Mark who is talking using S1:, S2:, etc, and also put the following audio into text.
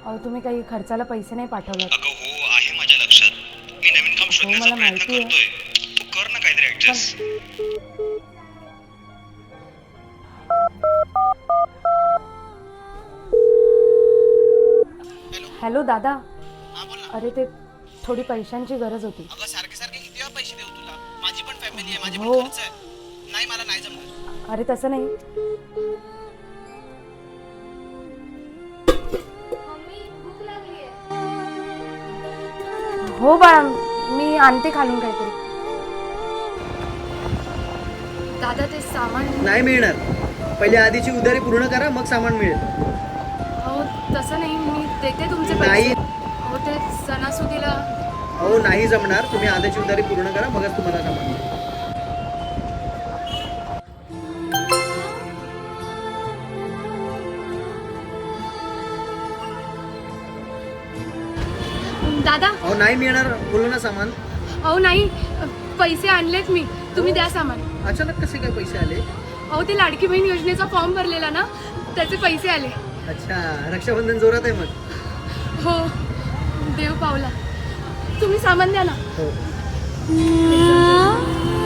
S1: अहो तुम्ही काही खर्चाला पैसे नाही पाठवलात.
S2: अगं हो आहे माझ्या लक्षात. मी नवीन काम शोधण्याचा
S1: मला
S2: प्रयत्न
S1: माहिती आहे.
S2: करतोय. तू कर ना काहीतरी ऍडजस्ट.
S1: हॅलो दादा,
S3: हा बोल ना.
S1: अरे ते थोडी पैशांची गरज होती.
S3: अगं सारखे सारखे किती वेळा पैसे देऊ तुला? माझी पण फॅमिली आहे, माझे पण
S1: हो.
S3: खर्च आहे. नाही मला नाही जमणार.
S1: अरे तसं नाही. हो बाळा, मी आणते खालून काहीतरी. दादा ते सामान.
S4: नाही मिळणार. पहिले आधीची उधारी पूर्ण करा, मग सामान मिळेल.
S1: हो तसं नाही, मी देते तुमचे
S4: नाही.
S1: पैसे. हो ते सणासुदीला.
S4: अहो नाही जमणार. तुम्ही आधीची उधारी पूर्ण करा, मगच तुम्हाला सामान मिळेल.
S1: दादा
S4: अहो नाही मिळणार बोललो ना सामान.
S1: अहो नाही, पैसे आणलेत मी, तुम्ही द्या सामान.
S4: अचानक कसे काय पैसे आले?
S1: अहो ते लाडकी बहीण योजनेचा फॉर्म भरलेला ना, त्याचे पैसे आले.
S4: अच्छा, रक्षाबंधन जोरात आहे मग.
S1: हो देव पावला. तुम्ही सामान द्या ना.
S4: हो.